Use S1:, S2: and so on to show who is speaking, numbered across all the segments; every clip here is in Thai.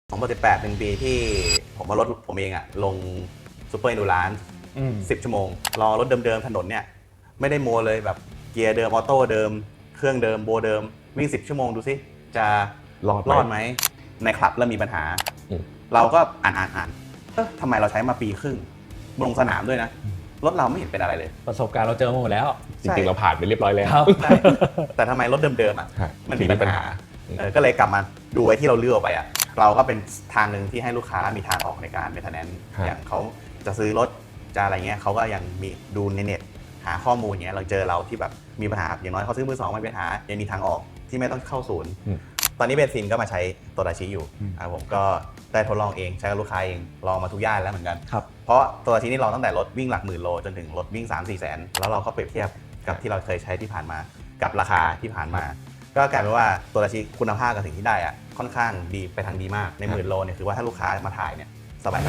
S1: 2018เป็นปีที่ผมว่ารถผมเองอะลงซูเปอร์อินดูรานซ์10 ชั่วโมงรอรถเดิมๆถนนเนี่ยไม่ได้โมเลยแบบเกียร์เดิมออโต้เดิมเครื่องเดิมโบเดิมวิ่ง10 ชั่วโมงดูสิจะรอดไหมในคลับเริ่มมีปัญหาเราก็อ่านทำไมเราใช้มาปีครึ่งลงสนามด้วยนะรถเราไม่เห็นเป็นอะไรเลย
S2: ประสบการณ์เราเจอมาหมดแล้ว
S3: จริงๆเราผ่านไปเรียบร้อยแล้ว
S1: แต่ทำไมรถเดิมๆอ่ะมันมีปัญหาก็เลยกลับมาดูไว้ที่เราเลือกไปอ่ะเราก็เป็นทางหนึ่งที่ให้ลูกค้ามีทางออกในการเป็นMaintenanceอย่างเขาจะซื้อรถจะอะไรเงี้ยเขาก็ยังมีดูในเน็ตหาข้อมูลเงี้ยเราเจอเราที่แบบมีปัญหาอย่างน้อยเขาซื้อมือสองไม่เป็นปัญหายังมีทางออกที่ไม่ต้องเข้าศูนย์ตอนนี้เบนซินก็มาใช้โตดาชิอยู่ผมก็ได้ทดลองเองใช้กับลูกค้าเองลองมาทุกย่านแล้วเหมือนกันเพราะโตดาชินี่ลองตั้งแต่รถวิ่งหลักหมื่นโลจนถึงรถวิ่ง 3-4 แสนแล้วเราก็เปรียบเทียบกับที่เราเคยใช้ที่ผ่านมากับราคาที่ผ่านมาก็กลายเป็นว่าโตดาชิคุณภาพกับสิ่งที่ได้อะค่อนข้างดีไปทางดีมากในหมื่นโลเนี่ยคือว่าถ้าลูกค้ามาถ่ายเนี่ยสบาย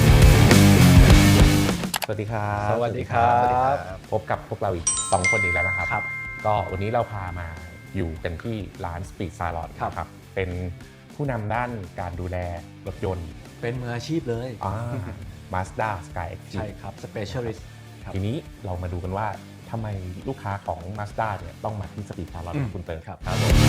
S1: สวัสดีครับ
S2: สวัสดีครับ
S3: พบกับพวกเราอีก2คนอีกแล้วนะครับก็วันนี้เราพามาอยู่กันที่ร้าน Speed Salon ครับเป็นผู้นำด้านการดูแลรถยนต์
S2: เป็นมืออาชีพเลย
S3: Mazda Sky-Activ
S2: ใช่ครับ Specialist
S3: ทีนี้เรามาดูกันว่าทำไมลูกค้าของ Mazda เนี่ยต้องมาที่ Speed Salon คุณเติร์ครับ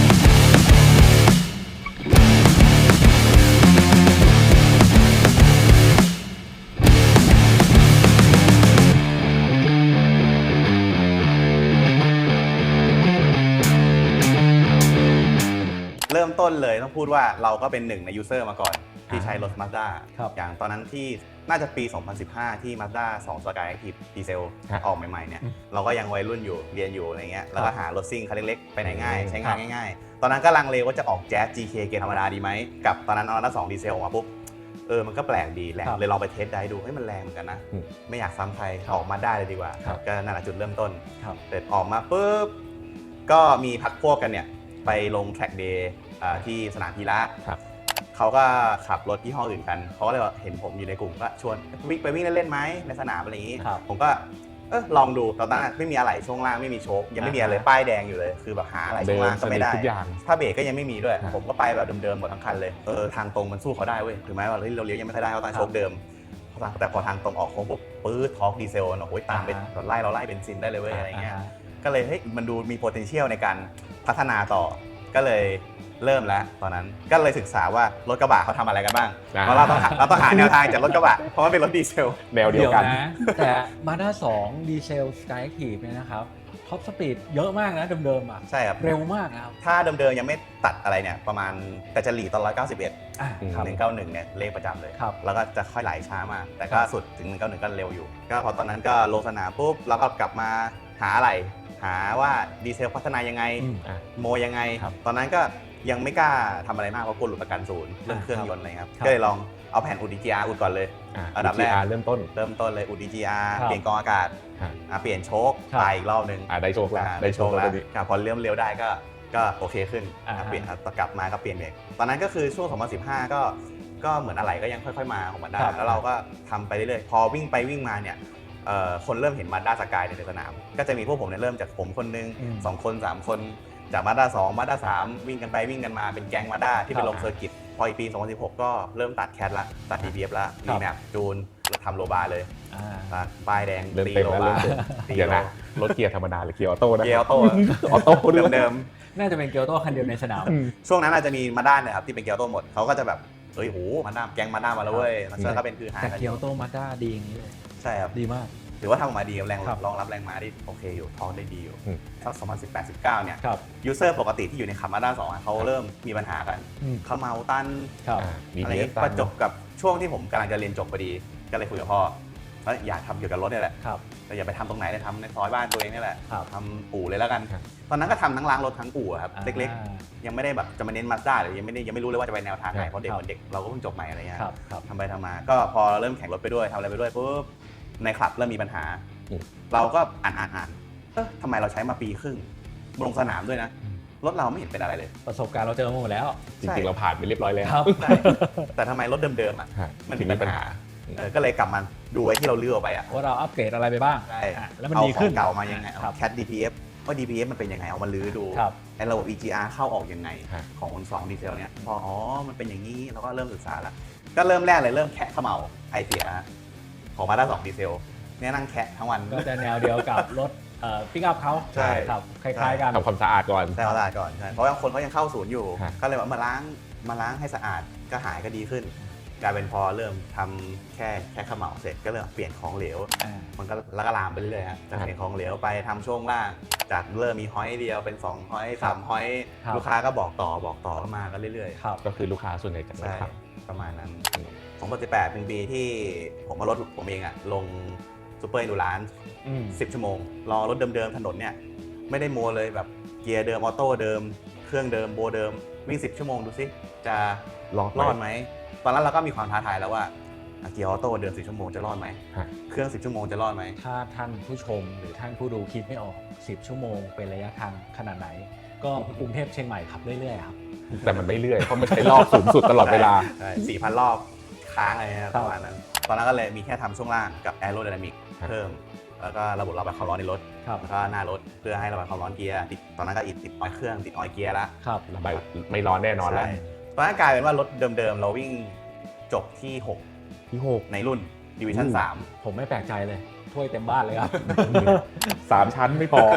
S1: เริ่มต้นเลยต้องพูดว่าเราก็เป็นหนึ่งในยูเซอร์มาก่อนที่ใช้รถ Mazda อย่างตอนนั้นที่น่าจะปี 2015 ที่ Mazda 2 Sky-Activ ดีเซลออกใหม่ๆเนี่ยเราก็ยังวัยรุ่นอยู่เรียนอยู่อะไรเงี้ยแล้วก็หารถซิ่งคันเล็กๆไปไหนง่ายใช้งานง่ายๆตอนนั้นก็ลังเลว่าจะออก Jazz GK เกียร์ธรรมดาดีไหมกับตอนนั้นMazda 2 ดีเซลออกมาปุ๊บมันก็แปลกดีแหละเลยลองไปเทสได้ดูมันแรงเหมือนกันนะไม่อยากซ้ำใครออกมาได้เลยดีกว่าก็นั่นแหละจุดเริ่มต้นเสร็จออกมาปุ๊บก็มีพักพวกกันเนี่ยไปลง Track Day ที่สนามพีระเขาก็ขับรถยี่ห้ออื่นกันเขาก็เลยเห็นผมอยู่ในกลุ่มก็ชวนไปวิ่งเล่นๆไหมในสนามอะไรอย่างนี้ผมก็ลองดูตอนนั้นไม่มีอะไรช่วงล่างไม่มีโชคยังไม่มีอะไรป้ายแดงอยู่เลยคือแบบหาอะไรช่วงล่างก็ไม่ได้ถ้าเบรกก็ยังไม่มีด้วยผมก็ไปแบบเดิมๆหมดทั้งคันเลยทางตรงมันสู้เขาได้เว้ยถึงแม้ว่าเราเลี้ยวยังไม่ค่อยได้เพราะตอนโชคเดิมแต่พอทางตรงออกโค้งปุ๊บปื๊ดทอร์กดีเซลโอ้ยตามไปเราไล่เบนซินได้เลยเว้ยอะไรเงี้ยก็เลยเฮ้ยมันดูมี potential ในการพัฒนาต่อก็เลยเริ่มแล้วตอนนั้นก็เลยศึกษาว่ารถกระบะเขาทำอะไรกันบ้างเพราะเราต้องหาแนวทางจากรถกระบะเพราะมันเป็นรถดีเซล
S3: แนวเดียวกัน
S2: แต่ Mazda 2 ดีเซล Sky-Activ เนี่ยนะครับท็อปสปีดเยอะมากนะเดิมๆอ่ะ
S1: ใช่ครับ
S2: เร็วมากนะครับ
S1: ถ้าเดิมๆยังไม่ตัดอะไรเนี่ยประมาณแต่จะหลีตอน191 191เนี่ยเลขประจำเลยแล้วก็จะค่อยไหลช้ามากแต่ก็สุดถึง191ก็เร็วอยู่ก็พอตอนนั้นก็ลงสนามปุ๊บแล้วก็กลับมาหาอะไรหาว่าดีเซลพัฒนายังไงโมยังไงตอนนั้นก็ยังไม่กล้าทำอะไรมากเพราะกลัวหลุดประกันศูนย์เรื่องเครื่องยนต์อะไรครับก็เลยลองเอาแผ่นอุด DGR อุดก่อนเลยอันดับแรก
S3: เริ่มต้น
S1: เลยอุด DGR เปลี่ยนกองอากาศเปลี่ยนโชคไปอีกรอบนึง
S3: ได้โชคแล้ว
S1: พอเริ่มเร็วได้ก็โอเคขึ้นเปลี่ยนกลับมาก็เปลี่ยนเบรกตอนนั้นก็คือช่วง 2015 ก็เหมือนอะไรก็ยังค่อยๆมาของมันได้แล้วเราก็ทำไปเรื่อยๆพอวิ่งไปวิ่งมาเนี่ยคนเริ่มเห็น Mazda Sky ในสนามก็จะมีพวกผมเนี่ยเริ่มจากผมคนนึง2 คน 3 คนจาก Mazda 2 Mazda 3วิ่งกันไปวิ่งกันมาเป็นแก๊ง Mazda ที่ไปลงเซอร์กิตพออีกปี 2016 ก็เริ่มตัดแคทละตัด DPF ละรีแมปจูนทำโลบาร์เลยป้ายแดงตีโลบาร์
S3: เดี๋ยวนะรถเกียร์ธรรมดาหรือเกียร์ออโต้นะ
S1: เกียร์ออโต้เดิม
S2: น่าจะเป็นเกียร์ออโต้คันเดียวในสนาม
S1: ช่วงนั้นอาจจะมีMazdaเนี่ยครับที่เป็นเกียร์ออโต้หมดเขาก็จะแบบเฮ้ยโหMazdaแก๊งMazdaมาแล้วเว้ยแล้วก็เป็นคือหา
S2: แต่เกียร์ออโต้Mazdaดีอย่างนี้เลย
S1: ใช่ครับ
S2: ดีมาก
S1: ถือว่าทำออกมาดีแรงรองรับแรงม้าได้โอเคอยู่ท้องได้ดีอยู่สัก2018-19เนี่ยยูเซอร์ปกติที่อยู่ในขับMazda 2เขาเริ่มมีปัญหากันเขาเมาตันอะไรประจบกับช่วงที่ผมกำลังจะเรียนจบพอดีก็เลยคุยกับพ่อว่าอยากทำเกี่ยวกับรถนี่แหละแต่อย่าไปทำตรงไหนเลยทำในซอยบ้านตัวเองนี่แหละทำอู่เลยแล้วกันตอนนั้นก็ทำทั้งล้างรถทั้งอู่ครับเล็กๆยังไม่ได้แบบจะมาเน้นMazdaหรือยังไม่รู้เลยว่าจะไปแนวทางไหนเพราะเด็กเหมือนเด็กเราก็เพิ่งจบใหม่อะไรเงี้ยทำไปทำมาก็พอเริ่มแข่งรถไปด้วยทำอะไรไปด้วยปุ๊บในคลับเริ่มมีปัญหาเราก็อ่านทำไมเราใช้มาปีครึ่งลงสนามด้วยนะรถเราไม่เห็นเป็นอะไรเลย
S2: ประสบการณ์เราเจอมาหมดแล้ว
S3: จริงๆเราผ่านไปเรียบร้อยแล้ว
S1: แต่ทำไมรถเดิมๆอ่ะมันมีปัญหาก็เลยกลับมาดูไว้ที่เราเลือกไปอ่ะ
S2: ว่าเราอัปเกรดอะไรไปบ้าง
S1: ใช่
S2: แล้วมันดีขึ้น
S1: เก่ามายังไงแคท DPF ว่า DPF มันเป็นยังไงเอามาลื้อดู
S2: ครับ
S1: ไอ้ระบบ EGR เข้าออกยังไง
S3: ฮะ
S1: ของ2ดีเซลเนี่ยพอมันเป็นอย่างนี้เราก็เริ่มศึกษาแล้วก็เริ่มแรกเลยเริ่มแคะเขม่าไอเสียของมาด้า2ดีเซลเนี่ยนั่งแคะทั้งวัน
S2: ก็จะแนวเดียวกับรถปิกอัพเขา
S1: ใช่
S2: ครับคล้ายๆกัน
S3: ทำความสะอาดก่อน
S1: แต่เอาสะอาดก่อนใช่เพราะว่าคนเขายังเข้าศูนย์อยู่
S3: ฮะ
S1: ก็เลยว่ามาล้างให้สะอาดก็หายก็ดีขึ้นกลายเป็นพอเริ่มทำแค่เขม่าเสร็จก็เริ่มเปลี่ยนของเหลว มันก็แล้วก็ลามไปเรื่อยๆฮะจากเปลี่ยนของเหลวไปทำช่วงล่างจากเริ่มมีห้อยเดียวเป็น2ห้อย3ห้อย
S2: ครับ
S1: ลูกค้าก็บอกต่อก็มากันเรื่อย
S2: ครับ
S3: ก็คือลูกค้าส่วนใหญ่จะ
S1: ๆ
S3: ไม่
S1: ใช่
S3: ท
S1: ประมาณนั้น2018เป็นปีที่ผมมารถผมเองอะลงซูเปอร์อินดูรานซ์ 10 ชั่วโมงรอรถเดิมๆถนนเนี่ยไม่ได้โมเลยแบบเกียร์เดิมออโต้เดิมเครื่องเดิมโบเดิมวิ่ง10 ชั่วโมงดูสิจะ
S3: ำรอด
S1: รอดไหมตอนนั้นเราก็มีความท้าทายแล้วว่าเกียร์ออโต้เดิม10 ชั่วโมงจะรอดไหม
S3: ฮะ
S1: เครื่อง10 ชั่วโมงจะรอดไหม
S2: ถ้าท่านผู้ชมหรือท่านผู้ดูคิดไม่ออก 10 ชั่วโมงเป็นระยะทางขนาดไหน ก็กรุงเทพเชียงใหม่ขับเรื่อยๆครับ
S3: แต่มันไม่เรื่อยเพราะมันใช้รอบสูงสุดตลอดเวลา
S1: ใช่ 4,000 รอบค้างอะไรนะ
S2: ครั
S1: ป
S2: บ
S1: ระมาณนั้น ตอนนั้นก็เลยมีแค่ทำช่วงล่างกับแอโร d y นามิก
S3: ครับ
S1: เพิ่ม แล้วก็ระบบระบายความร้อนในรถ
S2: ครับ
S1: แล้วก็หน้ารถเพื่อให้ระบายความร้อนเกียร์ติดตอนนั้นก็ติดออยล์เครื่องติดออยล์เกียร์แล้ว
S2: ครับ
S3: ระบายไม่ร้อนแน่นอนแล้ว
S1: ใช่ตอนนั้นกลายเป็นว่ารถเดิมๆ เราวิ่งจบที่
S3: ที่
S1: 6 ในรุ่นดิวิชั่น
S2: ผมไม่แปลกใจเลย ถ้วยเต็มบ้านเลยครับ
S3: 6 3 ชั้นไม่พอ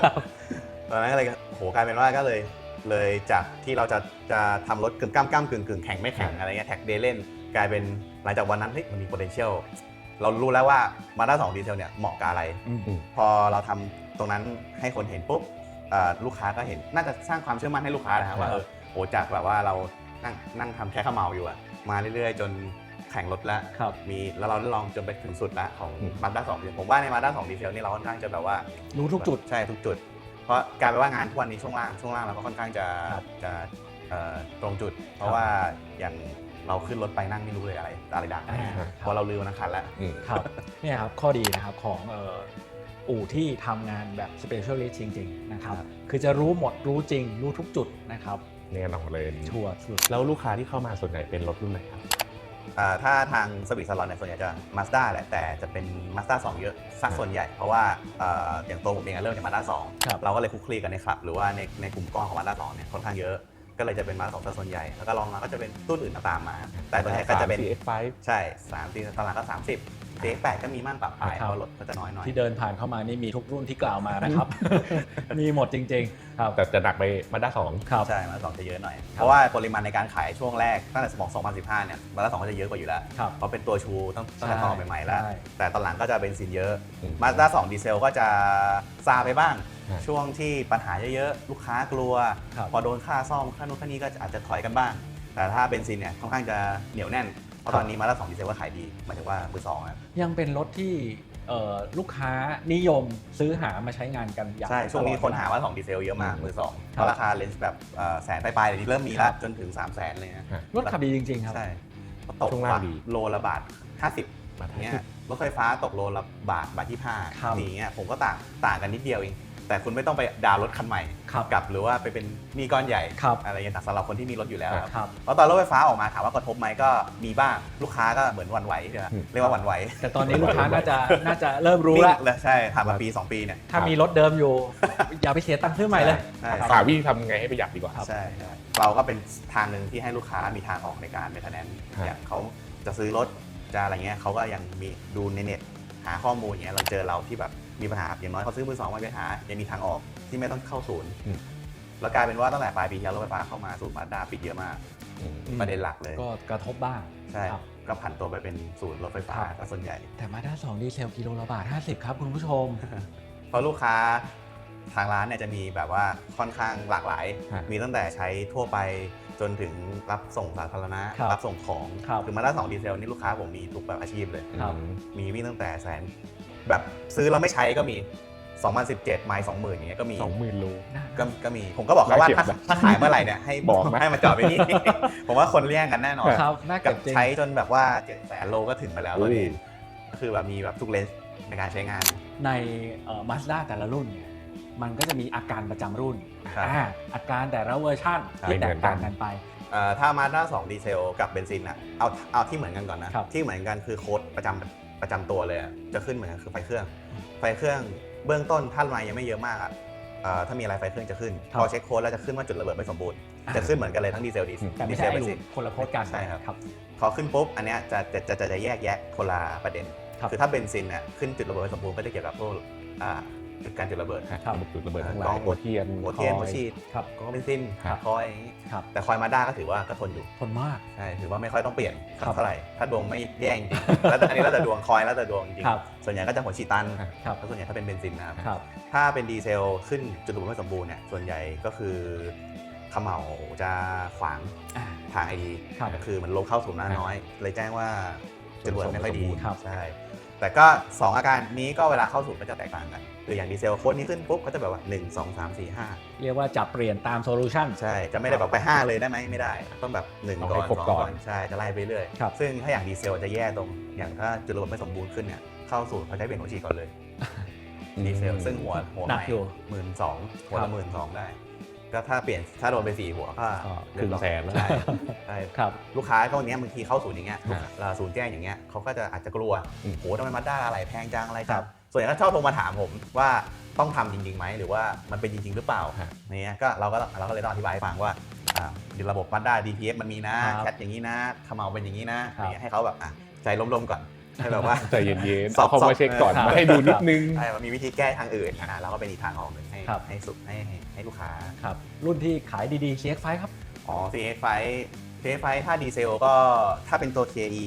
S1: 3ตอนนั้นก็เลยโหกลายเป็นว่าก็เลยจากที่เราจะทำรถกึ่งก้ามกึ่งแข่งไม่แข่งอะไรเงี้ยแท็กเดย์เล่นกลายเป็นหลังจากวันนั้นเฮ้ยมันมี potential เรารู้แล้วว่ามาด้า2ดีเซลเนี่ยเหมาะกับอะไร พอเราทำตรงนั้นให้คนเห็นปุ๊บลูกค้าก็เห็นน่าจะสร้างความเชื่อมั่นให้ลูกค้านะครับว่าโอ้จากแบบว่าเรานั่งทำแค่ข้าวเมาอยู่อะมาเรื่อยๆ จนแข่งรถแล้ว
S2: ครับ
S1: แล้วเราได้ลองจนไปถึงสุดแล้วของมาด้า2ดีเซลผมว่าในมาด้า2ดีเซลนี่เราค่อนข้างจะแบบว่า
S2: รู้ทุกจุด
S1: ใช่ทุกจุด เพราะกลายเป็นว่างานทุกวันนี้ช่วงล่างเราก็ค่อนข้างจะ
S2: ครับ
S1: ตรงจุด เพราะว่าอย่างเราขึ้นรถไปนั่งไม่รู้เลยอะไรดัง
S2: อ่า
S1: เพราะเราลืมวันคันแล้ว
S2: ครับเนี่ยครับข้อดีนะครับของอู่ที่ทำงานแบบ specialist จริงๆนะครับ
S1: ครับ
S2: คือจะรู้หมดรู้จริง รู้ทุกจุดนะครับ
S3: แน่นอนเลย
S2: ชัวร์สุด
S3: แล้วลูกค้าที่เข้ามาส่วนใหญ่เป็นรถรุ่นไหนครับ
S1: ถ้าทางสวิตซาลอนเนี่ยส่วนใหญ่จะ Mazda แหละแต่จะเป็น Mazda 2 เยอะสักส่วนใหญ่ เพราะว่าอย่างตัวผมเองเริ่มจาก Mazda
S2: ครับ
S1: 2 เราก็เลยคลุกคลีกันในคลับ หรือว่าในกลุ่มก้อนของ Mazda 2 เนี่ยค่อนข้างเยอะ ก็เลยจะเป็น Mazda 2ซะส่วนใหญ่ แล้วก็ลองมาก็จะเป็นรุ่นอื่นตามมา แต่ตัวนี้ก็จะเป็น
S3: CX5
S1: ใช่3 ตอนหลังก็ 30 CX8 ก็มีมั่งปรับปลายเพราะรถก็จะน้อยหน่อย
S2: ที่เดินผ่านเข้ามานี่มีทุกรุ่นที่กล่าวมานะครับ มีหมดจริงๆครับ
S3: แต่จะหนักไปมาด้า2
S2: ครับ
S1: ใช่มา2จะเยอะหน่อย เพราะว่าปริมาณในการขายช่วงแรกตั้งแต่2015เนี่ยมาด้า2ก็จะเยอะกว่าอยู่แล้ว
S2: ครับ
S1: เพราะเป็นตัวชูตั้งแต่ตอนใหม่ๆแล้ว
S2: ใช่
S1: แต่ตอนหลังก็จะเบนซินเยอะ
S3: อืม
S1: มาด้า2ดีเซลก็จะซาไปบ้าง
S3: ฮะ
S1: ช่วงที่ปัญหาเยอะๆ ลูกค้ากลัว
S2: ครับ
S1: พอโดนค่าซ่อมค่านู้นค่านี้ก็อาจจะถอยกันบ้าง แต่ถ้าเบนซินเนี่ยค่อนข้างจะเหนียวแน่น เพราะตอนนี้มาด้า2ดีเซลก็ขายดีหมายถึงว่ามือสองอะ
S2: ยังเป็นรถที่ลูกค้านิยมซื้อหามาใช้งานกันอย่าง
S1: ใช่ ช่วงนี้คนหาว่า2ดีเซลเยอะมากมือสองเพราะราคาเลนส์แบบแสนปลายๆเดี๋ยวนี้เริ่มมีแล้วจนถึง 300,000 เลยนะ
S2: รถขับดีจริงๆครับ
S1: ใช่ตก
S3: ช่วงล่างดี
S1: โลละบาท 50 เนี่ยรถไฟฟ้าตกโลละบาทที่
S2: ครับ
S1: 5อย่างเงี้ยผมก็ต่างกันนิดเดียวเอง แต่คุณไม่ต้องไปดาวน์รถคันใหม่
S2: ครับ
S1: กับหรือว่าไปเป็นหนี้ก้อนใหญ่
S2: ครับ
S1: อะไรอย่างเงี้ยแต่สำหรับคนที่มีรถอยู่แล้วครับ
S2: ครับ
S1: แล้วตอนรถไฟฟ้าออกมาถามว่ากระทบไหมก็มีบ้างลูกค้าก็เหมือนหวั่นไหวใช่ไหมเรียกว่าหวั่นไหว
S2: แต่ตอนนี้ลูกค้าน่าจะเริ่มรู้แล้ว
S1: นิ่งเลยใช่ผ่านมาปี 2 ปีเนี่ย
S2: ถ้ามีรถเดิมอยู่ อย่าไปเสียตังค์ซื้อใหม่เลย
S1: ใช่
S2: ครับ
S3: หาวิธีทำไงให้ประหยัดดีกว่า
S2: ครับ
S1: ใช่เราก็เป็นทางหนึ่งที่ให้ลูกค้ามีทางออกในการเมนเทนแนนซ์
S3: ครับ
S1: อย่างเขาจะซื้อรถจะอะไรเงี้ยเขาก็ยังมีดูในเน็ตหาข้อมูลอย่างเงี้ยเราเจอเราที่แบบมีปัญหาอย่างน้อยเขาซื้อมือสองมาไปหายังมีทางออกที่ไม่ต้องเข้าศูนย์
S3: อืม
S1: แล้วกลายเป็นว่าตั้งแต่ปลายปีที่แล้วรถไฟฟ้าเข้ามาศูนย์มาด้าปิดเยอะมาก
S3: อืม
S1: ประเด็นหลักเลย
S2: ก็กระทบบ้าง
S1: ใช่
S2: ครับ
S1: ก็ผันตัวไปเป็นศูนย์รถไฟฟ้า
S2: ครับ
S1: ซะส่วนใหญ่
S2: แต่มาด้า2ดีเซลกิโลละบาท 50 ครับคุณผู้ชม
S1: เพราะลูกค้าทางร้านเนี่ยจะมีแบบว่าค่อนข้างหลากหลาย
S3: ครับ
S1: มีตั้งแต่ใช้ทั่วไปจนถึงรับส่งสาธารณะ
S2: ครับ
S1: รับส่งของ
S2: ครับ
S1: คือมาด้า2ดีเซลนี่ลูกค้าผมมีทุกแบบอาชีพเลย
S2: ครับ
S1: มีวิ่งตั้งแต่แสนแบบซื้อแล้วไม่ใช้ก็มี 2017 ไมล์ 20,000 อย่างเงี้ยก็มี
S3: 20,000 โล
S1: ก็มี ผมก็บอกเขาว่า
S3: น่าเก็บนะ
S1: ถ้าขายเมื่อไหร่เนี่ยให้
S3: บอกนะ
S1: ให้มาจอดไว้นี่ ผมว่าคนเลี่ยงกันแน่นอน
S2: ครับน่า
S1: กั
S2: เก็
S1: บบ
S2: จริง
S1: ใช้จนแบบว่า 700,000 โลก็ถึงไปแล้วตัวนี้ก็คือแบบมีแบบทุกเลนส์ในการใช้งาน
S2: ในมาสด้าแต่ละรุ่นเนี่ยมันก็จะมีอาการประจำรุ่น
S1: ครับ
S2: อาการแต่ละเวอร์ชัน
S1: ครับ
S2: ที่แตกต่างกันไป
S1: ถ้ามาด้า2ดีเซลกับเบนซินอะเอาที่เหมือนกันก่อนนะ
S2: ครับ
S1: ที่เหมือนกันคือโค้ดประจำตัวเลยอะจะขึ้นเหมือนกันคือไฟเครื่องเบื้องต้นท่านมายังไม่เยอะมากอะถ้ามีอะไรไฟเครื่องจะขึ้น
S2: ครับ
S1: พอเช็คโค้ดแล้วจะขึ้นว่าจุดระเบิดไม่สมบูรณ์จะขึ้นเหมือนกันเลยทั้งดีเซล
S2: แต่ไม่
S1: ดีเซ
S2: ใช่
S1: ล
S2: ไอ
S1: เบน
S2: ลู
S1: ซิน
S2: คนละโค้ดกัน
S1: ใช่ครับ
S2: ครับ
S1: พอขึ้นปุ๊บอันเนี้ยจะแยกแยะคนละประเด็น
S2: ครับ
S1: คือถ้าเบนซินเนี่ยขึ้นจุดระเบิดไม่สมบูรณ์ก็จะเกี่ยวกับพวกจุดการจุดระเบิด
S2: ครับ
S3: จุดระเบิดทั้งหลาย
S1: กล้อง
S3: หัวเทียน
S1: หัวเทียน
S3: คอ
S1: หัวฉีด
S2: ครับ
S1: ก็เบนซิน
S3: ครับ
S1: คอยอย่างนี้
S2: ครับ
S1: แต่คอยมาด้าก็ถือว่าก็ทนอยู่
S2: ทนมาก
S1: ใช่ถือว่าไม่ค่อยต้องเปลี่ยนสัก
S2: ครับ
S1: เท่าไหร่ถ้าดวงไม่แย่จริงๆแล้วอันนี้แล้วแต่ดวงคอยแล้วแต่ดวงจริง
S2: ครับ
S1: ส่วนใหญ่ก็จะหัวฉีดตัน
S2: ครับ
S1: แล้วส่วนใหญ่ถ้าเป็นเบนซินนะครับ
S2: ครับ
S1: ถ้าเป็นดีเซลขึ้นจุดระเบิดไม่สมบูรณ์เนี่ยส่วนใหญ่ก็คือเขม่าจะขวาง
S2: อ่า
S1: ทางไอดี
S2: ครับ
S1: ก็คือมันลมเข้าสู่หน้าน้อย เลยแจ้งว่าจุดระเบิดไม่ค่อยดี
S2: ครับ
S1: ใช่แต่ก็ 2 อาการนี้ก็เวลาเข้าสู่ก็จะแตกต่างกันคืออย่างดีเซลโค้ดนี้ขึ้นปุ๊บก็จะแบบว่า 1 2 3 4 5
S2: เรียกว่าจับเปลี่ยนตามโซลูชัน
S1: ใช่จะไม่ได้แบบไป 5 เลยได้ไหมไม่ได้ ต้องแบบ1
S3: ต้อง
S1: ก่
S3: ให้
S1: อน
S3: ครบ
S1: 2
S3: ก่
S1: ก่
S3: อ
S1: อน นใช่จะไล่ไปเรื่อย
S2: ครับ
S1: ซึ่งถ้าอย่างดีเซลจะแย่ตรงอย่างถ้าจุดระเบิดไม่สมบูรณ์ขึ้นเนี่ยเข้าสู่เขาใช้เปลี่ยนหัวฉีดก่อนเลย ดีเซลซึ่งหัว
S2: หนัก
S1: ใหม่
S2: อยู่
S1: 12,000หัว
S2: ครั
S1: ละ
S2: บ
S1: 12,000ได้ก็ถ้าโดนไป4 หัวก็
S3: ครึ่งแสนแล้ว
S1: ใช่ใช่
S2: ครับ
S1: ลูกค้าก็วันนี้บางทีเข้าศูนย์อย่างเงี้ย
S3: ฮะ
S1: ศูนย์แจ้งอย่างเงี้ยเขาก็จะอาจจะกลัว
S3: อืม
S1: โหทำไมมาด้าอะไรแพงจังอะไร
S2: ค
S1: จั
S2: รั
S1: บบ ส่วนใหญ่ก็ชอบโทรมาถามผมว่าต้องทำจริงๆไหมหรือว่ามันเป็นจริงๆหรือเปล่า
S3: ฮะ
S1: เนี่ยก็เราก็เลยต้องอธิบายให้ฟังว่าระบบมาด้า DPF มันมีนะครับ แคทอย่างนี้นะเขม่าเป็นอย่างนี้นะครับ อย่างเงี้ยให้เขาแบบใจล้มๆก่อนให้แบบว่า
S3: ใจเย็นๆ
S1: สอบ
S3: เอาเข้ามาเช็คก่อน
S2: ครับ
S3: มาให้ดูนิดนึง
S1: ใช่มันมีวิธีแก้ทางอื่นเราก็เป็นอีกทางออกหนึ่งให้
S2: ครับ
S1: ให้สุดให้ลูกค้า
S2: ครับ รุ่นที่ขายดีๆ CX5 ครับ
S1: อ๋อ CX5 ถ้าดีเซลก็ถ้าเป็นตัว KE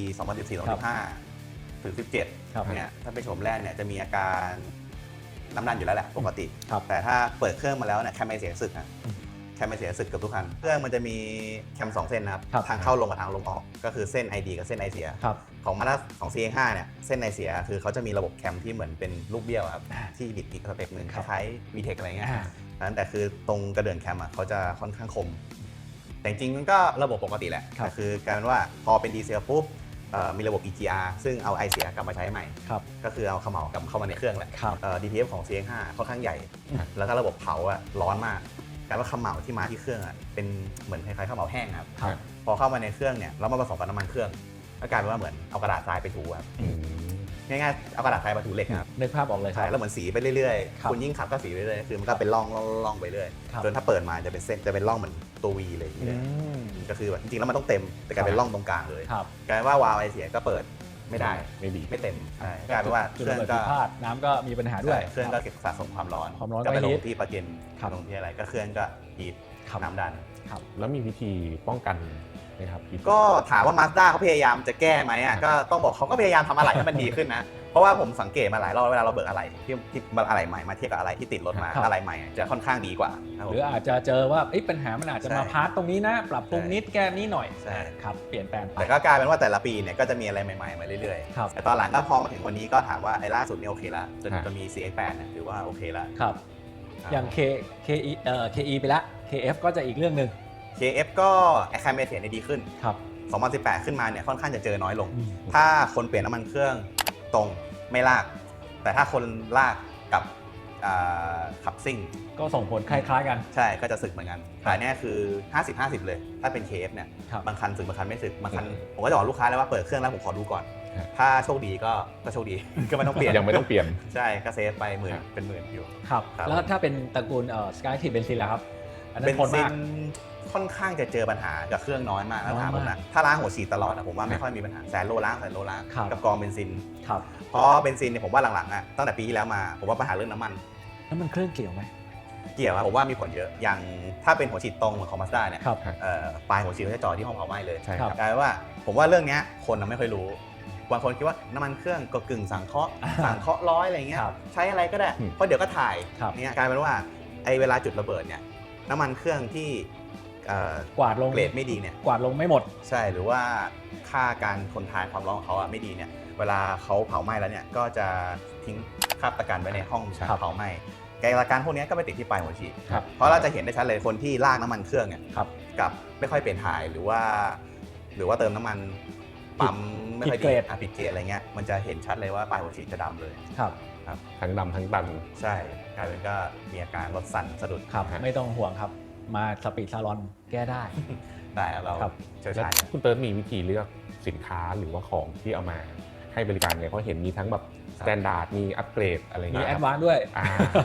S1: 2014-2015 ถึง 17
S2: ครับ
S1: เนี่ยถ้าเป็นโฉมแรกเนี่ยจะมีอาการน้ำดันอยู่แล้วแหละปกติ
S2: ครับ
S1: แต่ถ้าเปิดเครื่องมาแล้วเนี่ยแคมไม่เสียสึกนะ
S2: อืม
S1: แคมไม่เสียสึกเกับทุกคัน เครื่องมันจะมีแคม 2 เส้นนะครับ
S2: ครับ
S1: ทางเข้าลงกับทางลงออก ก็คือเส้น ID กับเส้น I เสีย
S2: ครับ
S1: ของมาด้าของ CX5 เนี่ยเส้น I เสียคือเขาจะมีระบบแคมที่เหมือนเป็นลูกเบี้ยวครับ
S2: อ่า
S1: ที่บิดอีกสเต็ปหนึ่ง
S2: ค
S1: ครับ ล้ายๆ VTEC อะไรเงี้ย
S2: อ่า
S1: นั้นแต่คือตรงกระเดื่องแคมเขาจะค่อนข้างคม แต่จริงๆมันก็ระบบปกติแหละ
S2: ครับ
S1: แต่คือกลายเป็นว่าพอเป็นดีเซลปุ๊บมีระบบ EGR ซึ่งเอาไอเสียกลับมาใช้ใหม่
S2: ครับ
S1: ก็คือเอาเขม่ากลับเข้ามาในเครื่องแหละ
S2: ครับ
S1: DPF ของ CX5 ค่อนข้างใหญ่ แล้วก็ระบบเผาอะร้อนมากกลายว่าเขม่าที่มาที่เครื่องอะเป็นเหมือนคล้ายๆเขม่าแห้งครับ
S2: ครับ
S1: พอเข้ามาในเครื่องเนี่ยแล้วมาผสมกับน้ำมันเครื่องก็กลายเป็นว่าเหมือนเอากระดาษทรายไปถูครับ
S3: อืม
S1: ง่ายๆเอากระดาษทรายมาถูเหล็กครับ
S2: นึกภาพออกเลยค
S1: ใช่
S2: รับ
S1: แล้วเหมือนสีไปเรื่อย
S2: ครับ
S1: ๆคุณยิ่งขับก็สีไปเรื่อยๆคือมันก็เป็นร่องไปเรื่อย
S2: ครับ
S1: จนถ้าเปิดมาจะเป็นเส้นจะเป็นร่องเหมือนตัว V เลยอย่าง
S2: อื
S1: เงี้ย
S2: ม
S1: ก็คือแบบจริงๆแล้วมันต้องเต็มแต่กลายเป็นร่องตรงกลางเลย
S2: ครับ
S1: กลายเป็นว่าวาล์วไอเสียก็เปิดไม่ได้
S3: ไม่ดี
S1: ไม่เต็มใช่กลายเป็นว่าเค
S2: จุด
S1: รื่
S2: ระ
S1: อง
S2: เบิด
S1: ก็
S2: ผิดพลาดน้ำก็มีปัญหาด้วย
S1: ใช่เครื่องก็เก็บสะสมความร้อน
S2: ความร้อน
S1: ก็ไป
S2: ก็
S1: ล
S2: ฮี
S1: ง
S2: ท
S1: ที่ประเก็น
S2: ครับ
S1: ลงที่อะไรก็เครื่องก็ฮีท
S2: ครับ
S1: น้ำดัน
S2: ครับ
S3: แล้วมีวิธีป้องกันไหมครับพี่
S1: ก็ถามว่า Mazda เขาพยายามจะแก้ไหมอ่ะก็ต้องบอกเขาก็พยายามทำอะไรให้มันดีขึ้นนะ เพราะว่าผมสังเกตมาหลายรอบเวลาเราเบิกอะไรที่อะไรใหม่มาเทียบกับอะไรที่ติดรถมา
S2: ครับ
S1: อะไรใหม่อะจะค่อนข้างดีกว่าครับผ
S2: ห
S1: ม
S2: รืออาจจะเจอว่าปัญหามันอาจจะมา
S1: ใช่
S2: พาร์ตตรงนี้นะ ปรับปรุง
S1: ใช่
S2: นิดแก้นี้หน่อย
S1: ใช่
S2: ครับ เปลี่ยนแปลงไป
S1: แต่ก็กลายเป็นว่าแต่ละปีเนี่ยก็จะมีอะไรใหม่ๆมาเรื่อย
S2: ครับ
S1: ๆแต่ตอนหลังก็พอมาถึงวันนี้ก็ถามว่าไอ้ล่าสุดเนี่ยโอเคละจนจะมี CX8 เนี่ยถือว่าโอเคละ
S2: ครับ อย่าง KE ไปละ KF ก็จะอีกเรื่องหนึ่ง
S1: KF ก็ไอ้ค่าเมเสียเนี่ยดีขึ้น
S2: ครับ
S1: 2018 ขึ้นมาเนี่ยค่อนข้างจะเจอน้อยลง
S2: อืม
S1: ถ้าคนเปลี่ยนน้ำมันเครื่องตรงไม่ลาก แต่ถ้าคนลากกับขับซิ่ง
S2: ก็ส่งผลคล้ายๆกัน
S1: ใช่ก็จะสึกเหมือนกันแต่เนี่ยคือ 50-50 เลย ถ้าเป็น KF เนี่ย
S2: ครับ
S1: บางคันสึกบางคันไม่สึกบางคันผมก็จะบอกลูกค้าเลยว่าเปิดเครื่องแล้วผมขอดูก่อน ถ้าโชคดีก็โชคดี ก็ไม่ต้องเปลี่ยน
S3: ยังไม่ต้องเปลี่ยน
S1: ใช่ก็เซฟไปหมื่นเป็นหมื่นอยู่
S2: ครับ
S1: ครับ
S2: แล้วถ้าเป็นตระกูลSky Active เบนซินล่ะครับ อันนั้
S1: เบ
S2: น
S1: น
S2: ทน
S1: ซิ
S2: มาก
S1: นค่อนข้างจะเจอปัญหากับเครื่องน้อยมาก
S2: น้อย
S1: ถ้าถามผม
S2: มาก
S1: นะถ้าล้างหัวฉีดตลอดอะผมว่าไม่ค่อยมีปัญหาแสนโลล้าง
S2: ครับ
S1: กับกองเบนซิน
S2: ครับ
S1: เพราะเบนซินเนี่ยผมว่าหลังๆอะตั้งแต่ปีที่แล้วมาผมว่าปัญหาเรื่องน้ำมัน
S2: แล้วมันเครื่องเกี่ยวไหม
S1: เกี่ยวอะผมว่ามีผลเยอะอย่างถ้าเป็นหัวฉีดตรงเหมือนของ Mazda เนี่ย
S2: ครับ
S1: ปลายหัวฉีดเขาจะจ่อที่ห้องเผาไหม้เลย
S3: ใช่
S2: ค
S3: ค
S2: รั
S3: รับ บ
S1: กลายเป็นว่าผมว่าเรื่องเนี้ยคนไม่ค่อยรู้บางคนคิดว่าน้ำมันเครื่องก็กึ่งสังเคราะห์ร้อยอะไรเงี้ย
S2: ครับ
S1: ใช้อะไรก็ได้
S3: อืม
S1: เพราะเดี๋ยวก็ถ่าย
S2: ครับ
S1: เนี่ยกลายเป็นว่าไอ้เวลาจุดระเบิดเนี่ยน้ำมันเครื่องที่
S2: กวาดลง
S1: เกรดไม่ดีเนี่ย
S2: กวาดลงไม่หมด
S1: ใช่หรือว่าค่าการทนทานความร้อนของเขาอะไม่ดีเนี่ยเวลาเขาเผาไหม้แล้วเนี่ยก็จะทิ้งคราบตะกันไว้ในห้อง
S2: ครับ
S1: เผาไหม้ไกลการพวกนี้ก็ไปติดที่ปลายหัวฉีด
S2: ครับ
S1: เพราะเราจะเห็นได้ชัดเลยคนที่ลากน้ำมันเครื่องเนี่ย
S2: ครับ
S1: กับไม่ค่อยเปลี่ยนถ่ายหรือว่าเติมน้ำมันปั๊มไม่ค่อย
S2: ผิดเกรด
S1: ผิดเกรดอะไรเงี้ยมันจะเห็นชัดเลยว่าปลายหัวฉีดจะดำเลย
S2: ครับ
S3: ทั้งดำทั้งตัน
S1: ใช่กลายเป็นก็มีอาการรถสั่นสะดุด
S2: ครับ
S3: ฮะ
S2: ไม่ต้องห่วงครับ มาสปีดซาลอนแก้ได้
S1: ได้เรา
S2: ครับ
S1: เชี่ยว
S3: แล้ว
S1: ชาญ
S3: คุณเติร์ดมีวิธีเลือกสินค้าหรือว่าของที่เอามาให้บริการเนี่ยเขาเห็นมีทั้งแบบสแตนดาร์ดมีอัปเกรดอะไร
S2: มี
S3: เงี้ย
S2: แอ
S3: ค
S2: ด
S3: รับ
S2: วานซ์ด้วย
S3: อ่า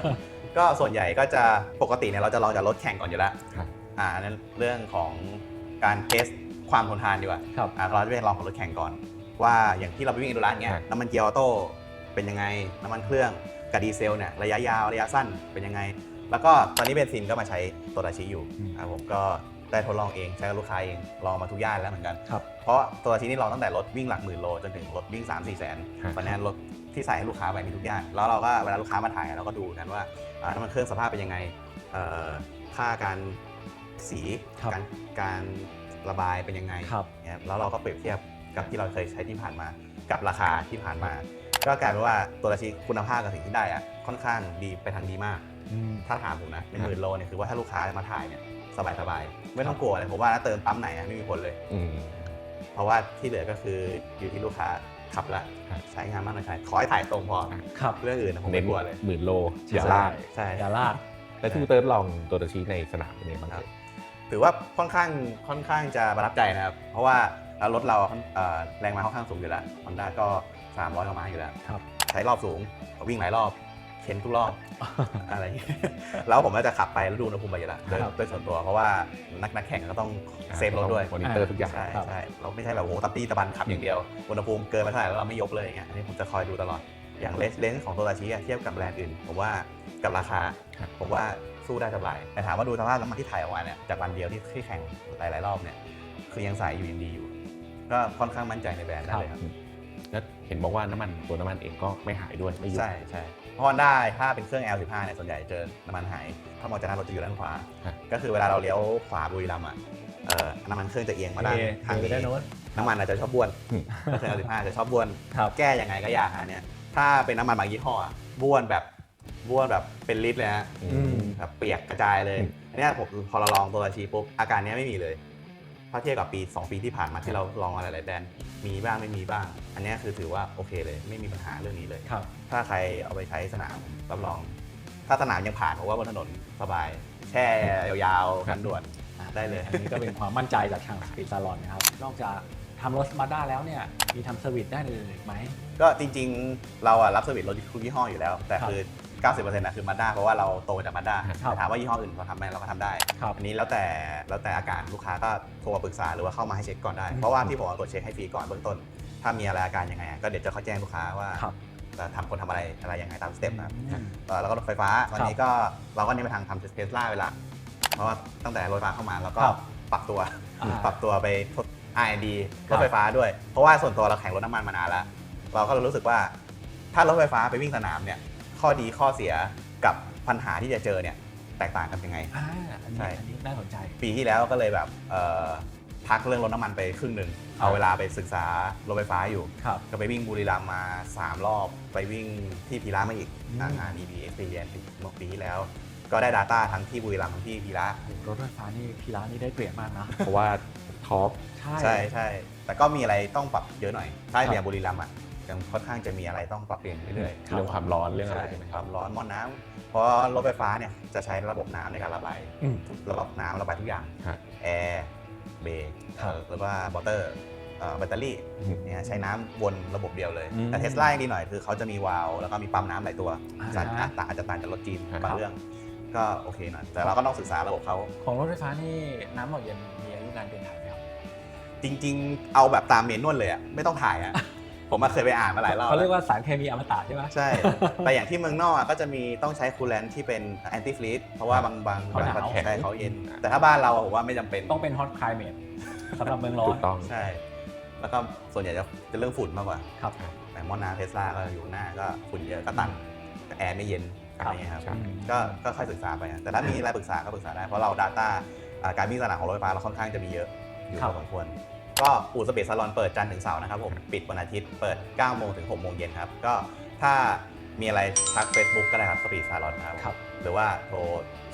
S1: ก็ส่วนใหญ่ก็จะปกติเนี่ยเราจะลองจากรถแข่งก่อนอยู่แล้ว
S3: ครับ
S1: นั้นเรื่องของการเทสความทนทานดีกว่า
S2: ครับ
S1: เราจะไปลองของรถแข่งก่อน ว่าอย่างที่เราไปวิ่งอินดูรันเงี้ย
S3: ครับ
S1: น้ำมันเกียร์ออโต้เป็นยังไงน้ำมันเครื่องกับดีเซลเนี่ยระยะยาวระยะสั้นเป็นยังไง แล้วก็ตอนนี้เบนซินก็มาใช้โตดาชิอยู่ครับผมก็ได้ทดลองเองใช้กับลูกค้าเองลองมาทุกย่านแล้วเหมือนกัน
S2: ครับ
S1: เพราะโตดาชินี่ลองตั้งแต่รถวิ่งหลักหมื่นโลจนถึงรถวิ่ง 3-4 แสน
S3: ครับ
S1: ตอนนี้รถที่ใส่ให้ลูกค้าไปมีทุกย่านแล้วเราก็เวลาลูกค้ามาถ่ายเราก็ดูกันว่าน้ำมันเครื่องสภาพเป็นยังไงค่าการสี
S2: ครับ
S1: การระบายเป็นยังไง
S2: ครับ
S1: เนี่ยแล้วเราก็เปรียบเทียบกับที่เราเคยใช้ที่ผ่านมากับราคาที่ผ่านมา ก็กลายเป็นว่าตัวราชีคุณภาพกับสิ่งที่ได้อะค่อนข้างดีไปทางดีมาก ถ้าถามผมนะเป็นหมื่นโลเนี่ยคือว่าถ้าลูกค้ามาถ่ายเนี่ยสบายๆไม่ต้องกลัวเลยผมว่าถ้าเติมปั๊มไหนอะไม่มีผลเลย เพราะว่าที่เหลือก็คืออยู่ที่ลูกค้าขับแล้ว
S3: ครับ
S1: ใช้งานมากน้อยแค่ไหนขอให้ถ่ายตรงพอ
S2: ครับ
S1: เรื่องอื่นนะผม
S3: เน้
S1: ไม่
S3: น
S1: กลัวเลย
S3: หมื่นโลอย่าลาก
S1: ใช่
S2: อย่าลาก
S3: แล้วที่เติร์ดลองตัวตะชีในสนามเป็นไงบ้าง
S1: ครับ
S3: เอ่ย
S1: ถือว่าค่อนข้างจะประทับใจนะครับ เพราะว่ารถเราแรงม้าค่อนข้างสูงอยู่แล้ว Honda ก็ 300 กว่าม้าอยู่แล้ว
S2: ครับ
S1: ใช้รอบสูงวิ่งหลายรอบเข็นทุกรอบ อะไรอย่างเงี้ยแล้วผมก็จะขับไปแล้วดูอุณหภูมิไปอยู่แล้วโดย
S2: ครับ
S1: โดยส่วนตัวเพราะว่านักแข่งก็ต้องเซฟรถด้วย
S3: มอนิเตอร์ทุกอย่าง
S1: ใช่
S2: ครับ
S1: ใช่เราไม่ใช่แบบโอ้โหตะปี้ตะบันขับอย่างเดียวอุณหภูมิเกินมาเท่าไหร่แล้วเราไม่ยกเลยอย่างเงี้ยอันนี้ผมจะคอยดูตลอดอย่างเลนส์ของตัวราชิเทียบกับแบรนด์อื่นผมว่ากับราคา
S3: ครับ
S1: ผมว่าสู้ได้สบายแต่ถามว่าดูสภาพน้ำมันที่ถ่ายออกมาเนี่ยจากวันเดียวที่แข่งหลายๆรอบเนี่ยคือยังใสอยู่ยังดีอยู่ ก็ค่อนข้างมั่นใจในแบรนด์ได้เลยครับ
S3: แล้วเห็นบอกว่าตัวน้ำมันเองก็ไม่หายด้วยไม่หยุด
S1: ใช่ใช่เพราะว่าได้ถ้าเป็นเครื่อง L15 เนี่ยส่วนใหญ่เจอน้ำมันหายถ้ามองจากหน้ารถจะอยู่ด้านขวา
S3: ครับ
S1: ก็คือเวลาเราเลี้ยวขวาบุรีรัมย์อ่ะน้ำมันเครื่องจะเอียงมาด้านทาง
S2: ไปได้
S1: นี้
S2: โน้น
S1: น้ำมันอาจจะชอบบ้วน
S3: อืม
S1: เครื่อง L15 จะชอบบ้วน
S2: ครับ
S1: แก้ยังไงก็ยากฮะเนี่ยถ้าเป็นน้ำมันบางยี่ห้ออะบ้วนแบบเป็นลิตรเลยฮะ แบบเปียกกระจายเลย
S3: อืม
S1: อันเนี้ยผมพอเราลองตัวราชีปุ๊บอาการเนี้ยไม่มีเลยถ้าเทียบกับ2 ปีที่ผ่านมาที่เราลองอะไรหลายแบรนด์มีบ้างไม่มีบ้าง อันเนี้ยคือถือว่าโอเคเลยไม่มีปัญหาเรื่องนี้เลย
S2: ครับ
S1: ถ้าใครเอาไปใช้สนามรับรอง ถ้าสนามยังผ่านผมว่าบนถนนสบาย แช่ยาวๆกันด่วนได้เลย
S2: อันนี้ก็เป็นความมั่นใจจากทางสปีดซาลอนนะครับ นอกจากทำรถมาด้าแล้วเนี่ย มีทำเซอร์วิสได้านอื่นอีกไหม
S1: ก็จริงๆเรารับเซอร์วิสรถทุกยี่ห้ออยู่แล้ว แต่คือ 90%นะคือมาด้าเพราะว่าเราโตมาจากมาด้า
S2: ครับ
S1: แต่ถามว่ายี่ห้ออื่นเขาทำไหมเราก็ทำได้
S2: ครับ
S1: อันนี้แล้วแต่อาการลูกค้าก็โทรมาปรึกษาหรือว่าเข้ามาให้เช็คก่อนได้ เพราะว่าที่ผมเอาตรวจเช็คให้ฟรีก่อนเบื้องต้น ถ้ามีอะไรอาการยังไงก็เดี๋ยวจะเขาแจ้งลูกค้าว่า
S2: ครับ
S1: จะทำคนทำอะไรยังไงตามสเต็ปนะครับ
S2: อืม
S1: แล้วก็รถไฟฟ้าตอนนี้ก็เราก็เน้นไปทางทำเทสลาเวลาเพราะว่าตั้งแต่รถไฟฟ้าเข้ามาเราก็
S2: ครับ
S1: ปรับตัว
S2: อ่า
S1: ปรับตัวไปทด R&D
S2: ค
S1: ร
S2: รับ
S1: ถไฟฟ้าด้วย เพราะว่าส่วนตัวเราแข่งรถน้ำมันมานานแล้ว เราก็รู้สึกว่าถ้ารถไฟฟ้าไปวิ่งสนามเนี่ยข้อดีข้อเสียกับปัญหาที่จะเจอเนี่ยแตกต่างกันยังไง
S2: อัน
S1: ใช่
S2: นี้น่าสนใจ
S1: ปีที่แล้วก็เลยแบบพักเรื่องรถน้ำมันไปครึ่งหนึ่งเอาเวลาไปศึกษารถไฟฟ้าอยู่
S2: ครับ
S1: ก็ไปวิ่งบุรีรัมย์มา 3 รอบ ไปวิ่งที่พีระมาอีก
S2: อืม
S1: งาน EV Experience เมื่อปีที่แล้ว ก็ได้ Data ทั้งที่บุรีรัมย์ทั้งที่พีระ
S2: รถไฟฟ้านี่พีระนี่ได้เปรียบมากนะ
S3: เพราะว่าท็อป
S2: ใช่
S1: ใช่ใช่แต่ก็มีอะไรต้องปรับเยอะหน่อย ถ้า
S2: ครับ
S1: อย่างบุรีรัมย์อ่ะยังค่อนข้างจะมีอะไรต้องปรับเปลี่ยนเรื่อยๆ
S3: เรื่องความร้อนเรื่องอะไร
S1: ใช่
S3: ใช่ไหม
S1: ความร้อนมอน้ำเพราะรถไฟฟ้าเนี่ยจะใช้ระบบน้ำในการระบาย
S2: อืม
S1: ระบบน้ำระบายทุกอย่าง
S3: ฮะ
S1: แอร์เบรก
S2: ครับ
S1: หรือว่ามอเตอร์แบตเตอรี่
S3: อืม
S1: เนี่ยใช้น้ำวนระบบเดียวเลย
S2: อืม
S1: แต่เทสลายังดีหน่อยคือเขาจะมีวาล์วแล้วก็มีปั๊มน้ำหลายตัว
S2: อ่า
S1: อาจจะต่างจากรถจีน
S3: ครับ
S1: บางเรื่องก็โอเคหน่อยแต่เราก็ต้องศึกษาระบบเขา
S2: ของรถไฟฟ้านี่น้ำหล่อเย็นมีอายุการเปลี่ยนถ่ายไหมครับ
S1: จริงๆ เอาแบบตามเมนวลเลยอ่ะไม่ต้องถ่ายอ่ะ ผมมาเคยไปอ่านมาหลายรอบ
S2: เขาเรียกว่าสารเคมีอมตะใช่ไหม
S1: ใช่ แต่อย่างที่เมืองนอกอะก็จะมีต้องใช้คูลแลนท์ที่เป็นแอนตี้ฟรีซเพราะว่าบาง
S2: เขาหนาว
S1: ประเทศใช่เขาเย็น แต่ถ้าบ้านเราอะผมว่าไม่จำเป็น
S2: ต้องเป็นฮอตคลายเมทสำหรับเมืองร้อ
S3: ถู
S2: น
S3: กต้อง
S1: ใช่ แล้วก็ส่วนใหญ่จะเรื่องฝุ่นมากกว่า
S2: ครับ
S1: แต่มอน้ำเทสลาก็อยู่หน้าก็ฝุ่นเยอะก็ตันแอร์ไม่เย็น
S2: ค
S1: อะ
S2: รั
S1: ไร
S2: บ
S1: เงี้ยครับ
S3: ครับ
S1: ก็ค่อยศึกษาไปอะแต่ถ้ามีอะไรปรึกษาก็ปรึกษาได้ เพราะเรา Data การวิ่งสนามของรถไฟฟ้าเราค่อนข้างจะมีเยอะอยู่
S2: ครั
S1: พ
S2: บ
S1: อสมควร ก็อู่สเปซซาลอนเปิดจันทร์ถึงเสาร์นะครับผมปิดวันอาทิตย์เปิด 9 โมงถึง 6 โมงเย็นครับ ก็ถ้ามีอะไรทัก Facebook ก็ได้ครับสปีดซาลอนครับ
S2: ครับ
S1: หรือว่าโทร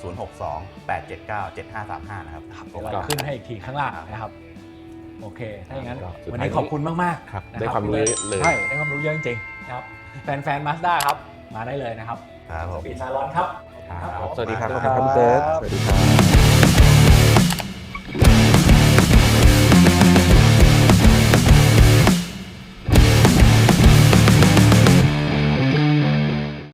S1: 062-879-7535 นะครับ
S2: เดี๋ยวเราขึ้นให้อีกทีข้างล่างนะครับ โอเค ถ้าอย่างนั้น
S3: ก็สุดท้าย
S2: วันนี้ขอบคุณมากๆ
S3: ครับ
S2: นะ
S3: ได้ความรู้เยอะเลย
S2: ใช่ได้ความรู้เยอะจริงๆนะครับ แฟนๆมาสด้าครับ มาได้เลยนะครับ
S1: ครับผม
S2: ปีซาลอนครับ
S3: ครับสวัสดีครับ
S2: ข
S3: ข
S2: อ
S3: อ
S2: บบ คุ
S3: คุณ ณ
S2: ค
S3: ค
S2: รั
S3: รับ บพี่เติร์ดสวัสดีครับ